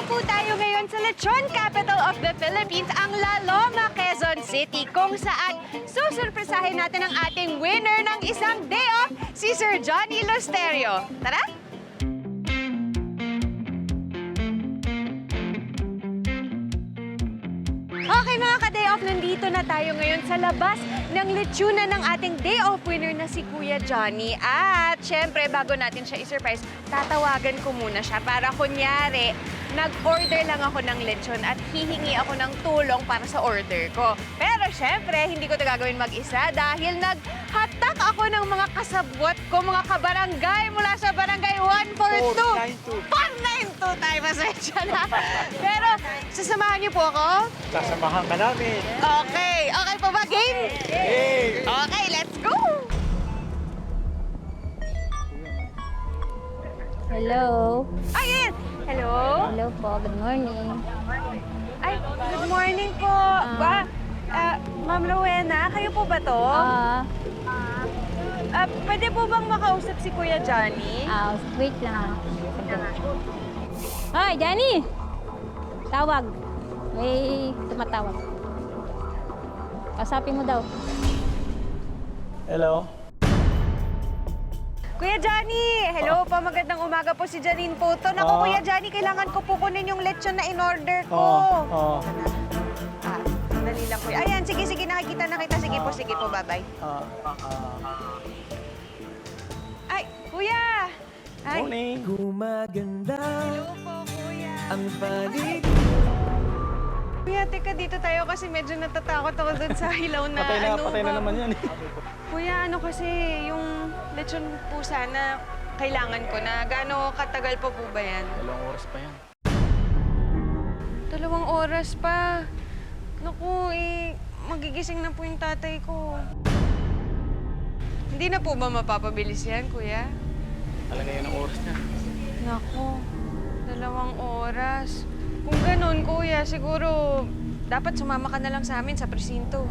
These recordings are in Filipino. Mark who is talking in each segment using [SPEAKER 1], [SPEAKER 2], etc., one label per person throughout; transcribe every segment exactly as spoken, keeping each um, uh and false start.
[SPEAKER 1] po tayo ngayon sa Lechon Capital of the Philippines, ang Laloma, Quezon City, kung saan susurpresahin natin ang ating winner ng isang day off, si Sir Johnny Lusterio. Tara! Okay mga ka-day off, nandito na tayo ngayon sa labas ng lechonan ng ating day off winner na si Kuya Johnny. At syempre, bago natin siya i-surprise, tatawagan ko muna siya para kunyari, nag-order lang ako ng lechon at hihingi ako ng tulong para sa order ko. Pero syempre, hindi ko ito gagawin mag-isa dahil naghatak ako ng mga kasabwat ko, mga kabarangay mula sa barangay one four two. four nine two tayo, pasensya na. Pero sasamahan niyo po ako?
[SPEAKER 2] Sasamahan ka namin.
[SPEAKER 1] Okay. Okay pa ba, game?
[SPEAKER 2] Hey!
[SPEAKER 1] Okay, let's go!
[SPEAKER 3] Hello.
[SPEAKER 1] Ayun! Hello?
[SPEAKER 3] Hello po. Good morning.
[SPEAKER 1] Ay, good morning po. Ba, ah, Ma'am Rowena, kayo po ba to?
[SPEAKER 3] Ah,
[SPEAKER 1] Ah, pwede po bang makausap si Kuya Johnny?
[SPEAKER 3] ah, wait lang. Hoy, Danny! Tawag. May tumatawag. Kasapin mo daw.
[SPEAKER 2] Hello?
[SPEAKER 1] Kuya Johnny! Hello po, magandang umaga po si Janine po to. Naku,
[SPEAKER 2] Ah.
[SPEAKER 1] Kuya Johnny, kailangan ko po kunin yung lechon na in-order ko.
[SPEAKER 2] Oo. Oo.
[SPEAKER 1] Ah, sandali lang, Kuya. Ayan, sige, sige, nakikita na kita. Sige po, sige po, bye-bye.
[SPEAKER 2] Ah,
[SPEAKER 1] Ay, Kuya! Ay,
[SPEAKER 2] morning.
[SPEAKER 4] Gumaganda
[SPEAKER 1] hello po, Kuya.
[SPEAKER 4] ang paligid.
[SPEAKER 1] Kuya, teka, dito tayo kasi medyo natatakot ako dun sa hilaw na
[SPEAKER 2] Patay na,
[SPEAKER 1] ano.
[SPEAKER 2] patay na
[SPEAKER 1] ba-
[SPEAKER 2] naman yan.
[SPEAKER 1] Kuya, ano kasi, yung lechon po sana kailangan ko na. Gaano katagal pa po ba yan?
[SPEAKER 2] Dalawang oras pa yan.
[SPEAKER 1] Dalawang oras pa. Naku, eh, magigising na po yung tatay ko. Hindi na po ba mapapabilis yan, Kuya?
[SPEAKER 2] Talaga yan ang oras niya.
[SPEAKER 1] Naku, dalawang oras. Kung ganun, Kuya, siguro dapat sumama ka na lang sa amin sa presinto.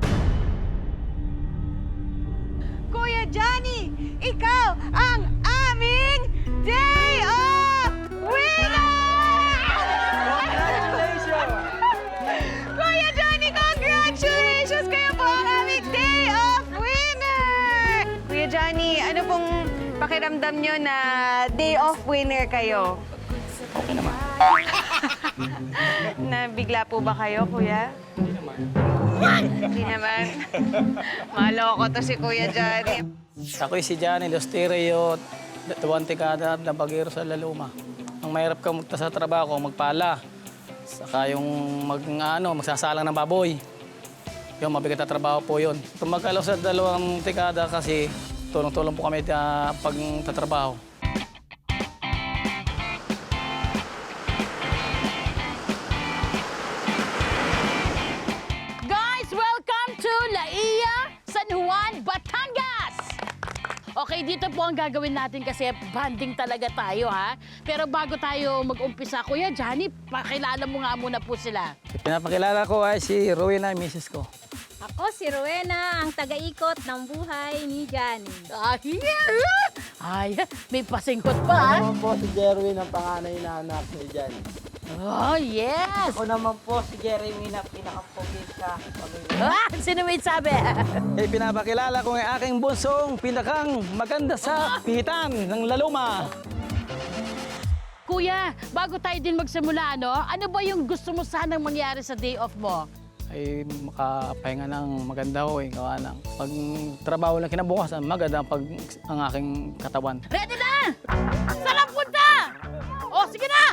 [SPEAKER 1] Kuya Johnny, ikaw ang aming day off winner!
[SPEAKER 2] Congratulations!
[SPEAKER 1] Kuya Johnny, congratulations! Kayo po ang aming day off winner! Kuya Johnny, ano pong pakiramdam nyo na day off winner kayo?
[SPEAKER 2] Okay naman.
[SPEAKER 1] Nabigla po ba kayo, Kuya?
[SPEAKER 2] Hindi naman.
[SPEAKER 1] Hindi naman. Maloko to si Kuya Johnny.
[SPEAKER 5] Ako'y si Johnny Lusterio, tuwang tikada na bagero sa Laluma. Ang mahirap ka magta sa trabaho, magpala. Saka yung mag, ano, magsasalang ng baboy. Yung mabigat na trabaho po yun. Kung magkalaw sa dalawang tikada kasi tulong-tulong po kami uh, pag tatrabaho.
[SPEAKER 6] Guys, welcome to Laia, San Juan, Batangas! Okay, dito po ang gagawin natin kasi banding talaga tayo, ha? Pero bago tayo mag-umpisa, Kuya Johnny, pakilala mo nga muna po sila.
[SPEAKER 5] Pinapakilala ko ay si Rowena, misis ko.
[SPEAKER 3] Ako si Rowena, ang taga-ikot ng buhay ni Johnny.
[SPEAKER 6] Ay, ay, may pasinghot pa, ha?
[SPEAKER 7] Ako naman po si Jerwin, ang panganay na anak ni Johnny.
[SPEAKER 6] Oh, yes!
[SPEAKER 7] Ako naman po si Jeremy na pinakapogi sa pamilya.
[SPEAKER 6] Ah, sino may sabi?
[SPEAKER 5] Eh, pinapakilala ko ang aking bunsong pinakang maganda sa pihitan ng Laluma.
[SPEAKER 6] Kuya, bago tayo din magsimula, ano? Ano ba yung gusto mo sanang mangyari sa day off mo?
[SPEAKER 5] Ay makapahinga ng maganda ho eh. Gawa ng pag trabaho lang kinabukasan, maganda pag ang aking katawan.
[SPEAKER 6] Ready na! Saan punta? O, sige na!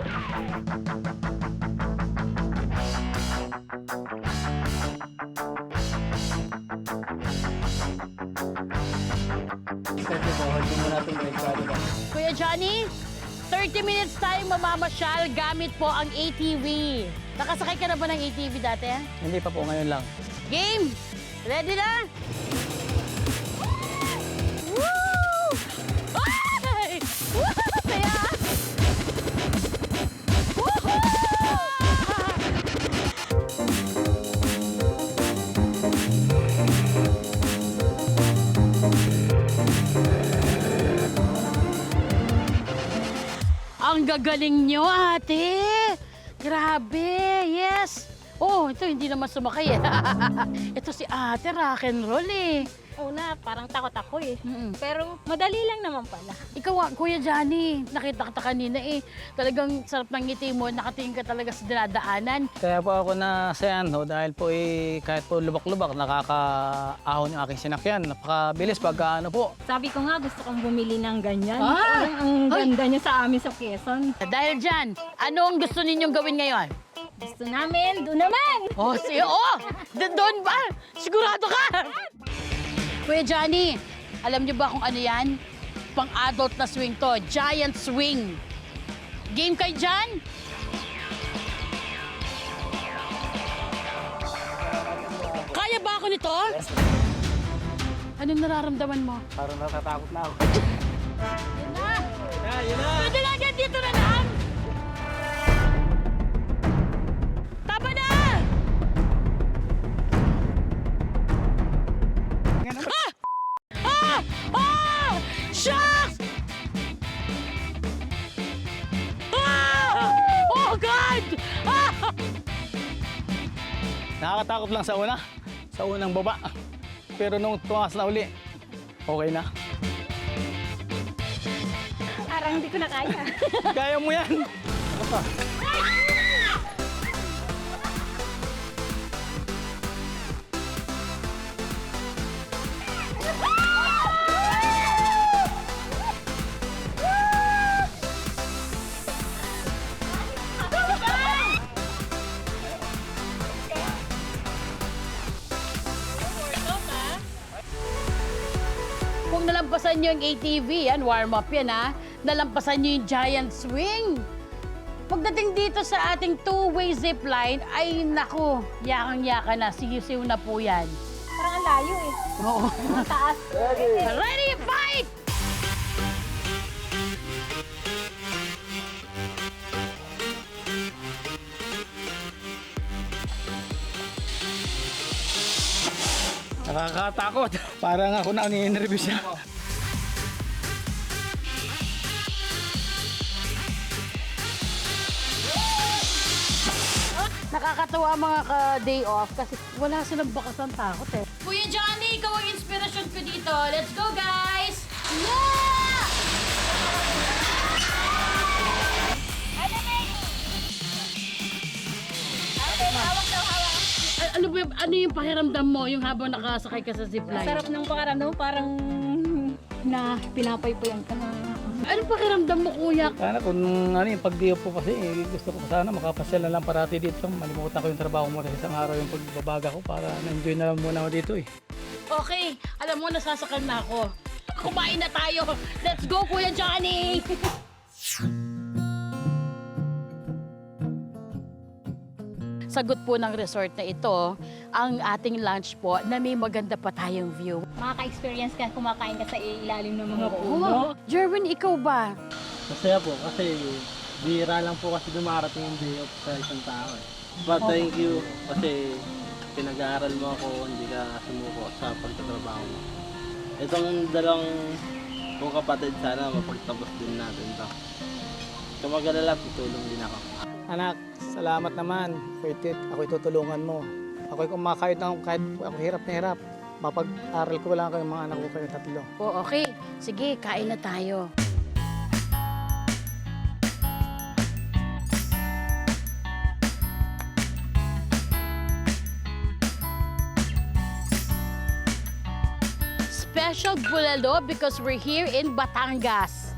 [SPEAKER 6] Kuya Johnny, thirty minutes tayong mamamasyal gamit po ang A T V. Nakasakay ka na ba ng A T V dati?
[SPEAKER 5] Hindi pa po, ngayon lang.
[SPEAKER 6] Game! Ready na? Woo! Ay! Woo! Saya! Woohoo! Ang gagaling nyo, ate! Grabe, yes. Oh, ito hindi naman sumakay eh. Ito si ate, rock and roll eh.
[SPEAKER 3] Una, parang takot ako eh.
[SPEAKER 6] Mm-mm.
[SPEAKER 3] Pero madali lang naman pala.
[SPEAKER 6] Ikaw, ah, Kuya Johnny, nakita kita kanina eh. Talagang sarap ng ngiti mo, nakatingin ka talaga sa dinadaanan.
[SPEAKER 5] Kaya po ako na sa ano, dahil po eh, kahit po lubak-lubak, nakakaahon yung aking sinakyan. Napakabilis pag ano po.
[SPEAKER 3] Sabi ko nga, gusto kong bumili ng ganyan.
[SPEAKER 6] Ah!
[SPEAKER 3] Ang, ang ganda niya sa amin sa Quezon.
[SPEAKER 6] Dahil dyan, ano ang gusto ninyong gawin ngayon?
[SPEAKER 3] Gusto namin, doon naman!
[SPEAKER 6] Oh, si oh, d- doon ba? Sigurado ka? Kuya Johnny, alam niyo ba kung ano yan? Pang-adult na swing to, giant swing. Game kayo dyan? Kaya ba ako nito? Anong nararamdaman mo?
[SPEAKER 5] Parang natatakot na ako.
[SPEAKER 6] Yun na! Pwede na agad dito na lang! Tama na! Ah! Ah! Ah! Shucks! Ah! Oh, God! Ah!
[SPEAKER 5] Nakakatakot lang sa una, sa unang baba. Pero nung tumakas na uli, okay na.
[SPEAKER 3] Parang hindi ko na kaya.
[SPEAKER 5] Kaya mo yan!
[SPEAKER 6] Kung nalampasan nyo yung A T V, yan, warm-up yan ha, nalampasan nyo yung giant swing. Pagdating dito sa ating two-way zip line, ay naku, yakang-yaka na, sisiw na po yan.
[SPEAKER 3] Parang ang layo eh.
[SPEAKER 6] Oo.
[SPEAKER 3] Ang taas.
[SPEAKER 6] Ready, fight!
[SPEAKER 5] Nakakatakot. Parang ako na ni-nervous siya.
[SPEAKER 6] Nakakatawa mga ka-day off kasi wala silang bakas ng takot eh. Kuya Johnny, ikaw ang inspirasyon ko dito. Let's go, guys! Yeah! A- Ano ba yung- ano yung pakiramdam mo yung habang nakasakay ka sa zipline?
[SPEAKER 3] Sarap ng pakaramdam, parang na pinapaypayan ka na.
[SPEAKER 6] Anong pakiramdam mo, kuya?
[SPEAKER 5] Sana kung ano yung pag-diop po kasi, eh, gusto ko sana makapasyal na lang parati dito. Malimutan ko yung trabaho mo kasi isang araw yung pagbabaga ko para na-enjoy na lang muna ako dito eh.
[SPEAKER 6] Okay, alam mo, nasasakal na ako. Kumain na tayo. Let's go, Kuya Johnny! Sagot po ng resort na ito, ang ating lunch po na may maganda pa tayong view.
[SPEAKER 3] Makaka-experience ka, kumakain ka sa ilalim ng mga puno.
[SPEAKER 6] Oh, Jerwin, ikaw ba?
[SPEAKER 2] Masaya po kasi bihira lang po kasi dumarating yung day off sa isang tao eh. But thank you kasi pinag-aaral mo ako, hindi ka sumuko sa pagtatrabaho mo. Itong dalawang kong kapatid, sana mapagtapos din natin ito. Kung mag-alala, tutulong din ako.
[SPEAKER 5] Anak, salamat naman. Pwede, ako'y tutulungan mo. Ako'y kumakayod ng kahit ako hirap na hirap. Mapag-aral ko lang kayo mga anak ko kayo tatlo.
[SPEAKER 6] Oh, okay. Sige, kain na tayo. Special bulalo because we're here in Batangas.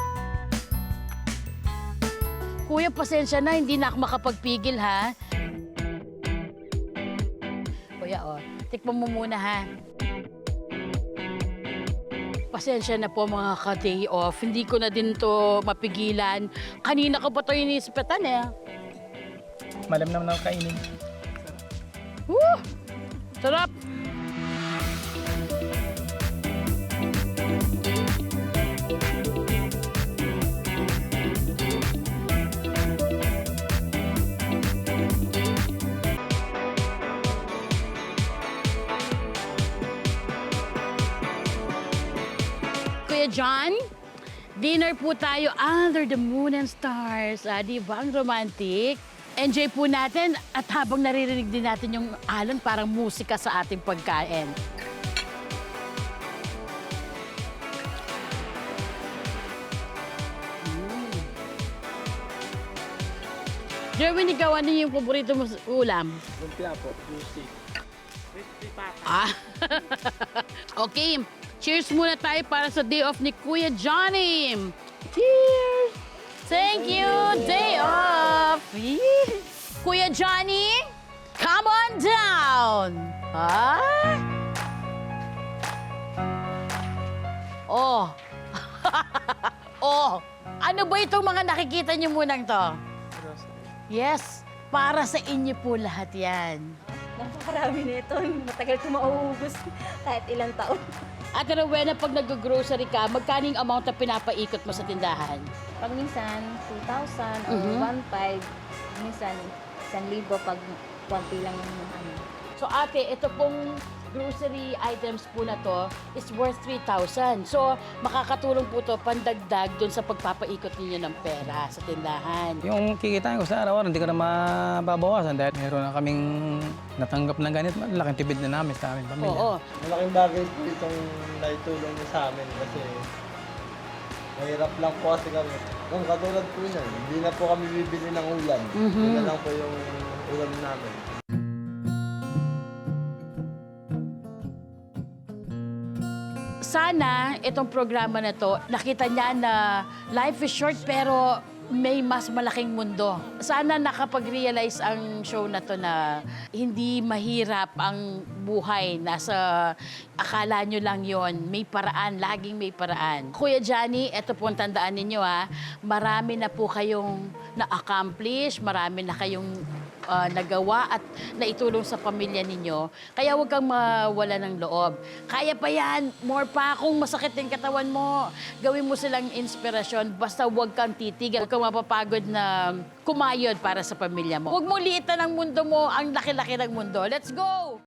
[SPEAKER 6] Kuya, pasensya na, hindi na ako makapagpigil, ha? Kuya, oh, tikman mo muna, ha? Pasensya na po mga ka-day off. Hindi ko na din to mapigilan. Kanina ko pa to inisipatan, eh.
[SPEAKER 5] Malam naman ako kainin.
[SPEAKER 6] Woo! Sarap! Kuya John, dinner po tayo under the moon and stars. Ah, di ba? Ang romantic. Enjoy po natin at habang naririnig din natin yung alon, parang musika sa ating pagkain. Mm. Jerwin, ikaw ano yung paborito mo sa ulam?
[SPEAKER 2] Lumpia po, juicy.
[SPEAKER 6] Ah. Okay, cheers muna tayo para sa day off ni Kuya Johnny. Cheers! Thank you, day off. Yee. Kuya Johnny, come on down. Ah? Oh. Oh. Ano ba itong mga nakikita niyo munang to? Yes, para sa inyo po lahat yan.
[SPEAKER 3] Napakarami nito. Matagal ko mauubos kahit ilang taon.
[SPEAKER 6] At Rowena, pag nag-grocery ka, magkano yung amount na pinapaikot mo sa tindahan?
[SPEAKER 3] Pag minsan, two thousand or
[SPEAKER 6] Mhm.
[SPEAKER 3] one five. Minsan, one libo pag konti lang yung ano.
[SPEAKER 6] So ate, ito pong grocery items po na to is worth three thousand. So makakatulong po to pandagdag dun sa pagpapaikot ninyo ng pera sa tindahan.
[SPEAKER 5] Yung kikitain ko sa araw-araw, hindi ko na mababawasan dahil meron na kaming natanggap ng ganit. Malaking tibid na namin sa aming pamilya.
[SPEAKER 6] Oo.
[SPEAKER 2] Malaking bagay po itong naitulong niyo sa amin kasi mahirap lang po kasi kami. Kung katulad po niyan, hindi na po kami bibili ng ulam.
[SPEAKER 6] Mhm.
[SPEAKER 2] Yun na lang po yung ulam namin.
[SPEAKER 6] Sana itong programa na to, nakita niya na life is short pero may mas malaking mundo. Sana nakapag-realize ang show na to na hindi mahirap ang buhay. Nasa akala nyo lang yon. May paraan, laging may paraan. Kuya Johnny, eto po ang tandaan ninyo ha. Marami na po kayong na-accomplish, marami na kayong ah, nagawa at naitulong sa pamilya ninyo. Kaya huwag kang mawala ng loob. Kaya pa yan, more pa. Kung masakit yung katawan mo, gawin mo silang inspirasyon. Basta huwag kang titigil. Huwag kang mapapagod na kumayod para sa pamilya mo. Huwag mo liitan ang mundo mo, ang laki-laki ng mundo. Let's go!